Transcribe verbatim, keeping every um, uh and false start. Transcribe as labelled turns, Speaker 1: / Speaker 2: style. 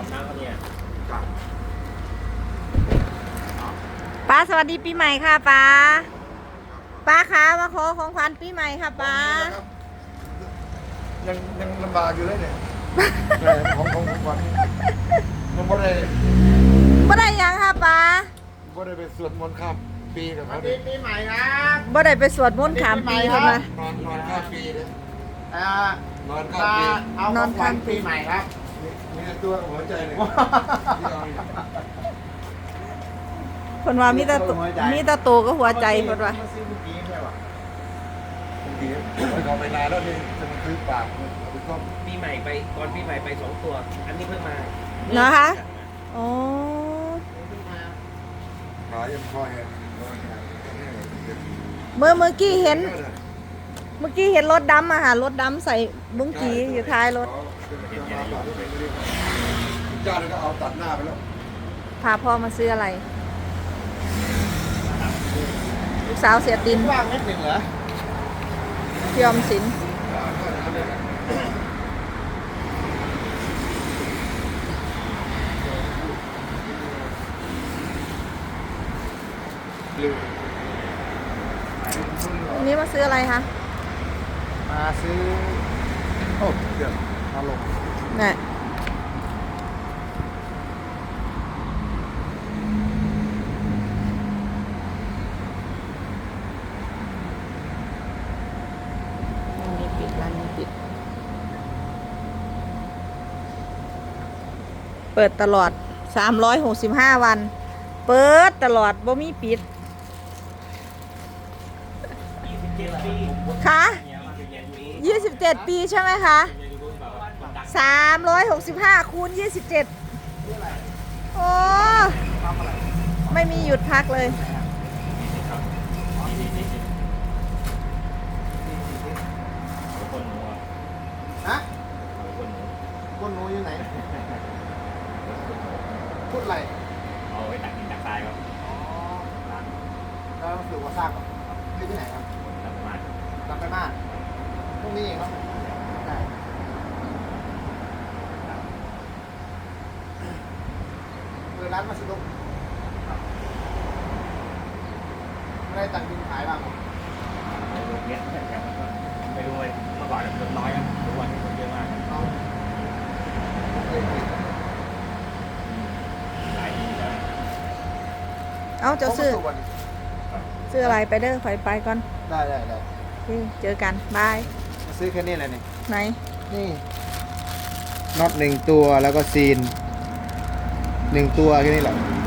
Speaker 1: ช้าเขาเนี่ย
Speaker 2: ป้าสวัสดีปีใหม่ค่ะป้าป้าคะมาขอของขวัญปีใหม่ค่ะป้า
Speaker 3: ยังยังลำบากอยู่เลยเนี่ยของของของขวัญมันบ่ได้
Speaker 2: บ่ได้หยังค่ะป้า
Speaker 3: บ่ได้ไปสวดมนต์ข้ามปีกับ
Speaker 1: สวั
Speaker 3: เขา
Speaker 1: ส
Speaker 3: เล
Speaker 1: ดี
Speaker 3: ย
Speaker 1: ปีใหม่ครับ
Speaker 2: บ่ได้ไปสวดมนต์ขามปีเพิ่นมาน
Speaker 3: อนนอนข้ามปีเลย
Speaker 1: อ่าน
Speaker 3: อนข้าม
Speaker 1: มา
Speaker 3: ปี
Speaker 1: เอาของขวัญปีใหม่ครับ
Speaker 3: มีแต่ตัวหัวใจเลยที่เอาอยู่
Speaker 2: เพิ่นว่ามีแต่ตัวมีแต่โตก็หัวใจเพิ่นว่า
Speaker 1: มาซื้อเมื่อกี้ใช่ป่ะ
Speaker 3: บางทีมันก็ไปนานแล้วนี่จะมาซื้อปากเอาไปต้ม
Speaker 4: ปีใหม่ไปก่อนปีใหม่ไปสองตัว อันนี้เพิ่งมา
Speaker 2: นะคะอ๋อ
Speaker 3: ขายังคอย
Speaker 2: เมื่อเมื่อกี้เห็น เมื่อกี้เห็นรถดำอะค่ะรถดำใส่บุ้งกีอยู่ท้ายรถ
Speaker 3: เจ้าก็เอาตัดหน้าไปแล้ว
Speaker 2: พาพ่อมาซื้ออะไรลูกสาวเสียดิน
Speaker 1: ว่างเม็ดหนึ่งเหรอ
Speaker 2: พี่ออมสินวันนี้มาซื้ออะไรคะ
Speaker 1: มาซื้อโอ้เดี๋ยวมาลง
Speaker 2: เนี่ยร้านนี้ปิดร้านนี้ปิด เปิดตลอดสามร้อยหกสิบห้าวัน เปิดตลอดบ่มีปิดค่ะยี่สิบเจ็ดปีใช่ไหมคะสามร้อยหกสิบห้าคูณยี่สิบเจ็ดโอ้ไม่มีหยุดพักเลย
Speaker 1: ฮะก้นหนูอยู่ไหนพูดอะไร
Speaker 4: เอาไว้ตักดินตักทรายครับ
Speaker 1: อ๋อแล้วสื่อว่าทราบกับที่ที่ไหนครับ
Speaker 4: ทำประมาณ
Speaker 1: กลับไปบ้านพรุ่งนี้เองครับได้เปิดร้านมาสดุกไม่ได้ตัดดินขายบ้างเหรอ
Speaker 4: เนี้ยไปดูเลยเมื่อก่อนคนน้อยครับทุกวันนี้คนเยอะมาก
Speaker 1: เอา
Speaker 4: หลายทีแล้ว
Speaker 2: เอาเจ้าซื้อ
Speaker 1: วัน
Speaker 2: ซื้ออะไรไปเด้อไปไปก่อน
Speaker 1: ได้ได้ได้
Speaker 2: โอเคเจอกันบาย
Speaker 1: มาซื้อแค่นี้เลยนี่
Speaker 2: ไหน
Speaker 1: นี่น็อตหนึ่งตัวแล้วก็ซีนหนึ่งตัวแค่นี้แหละ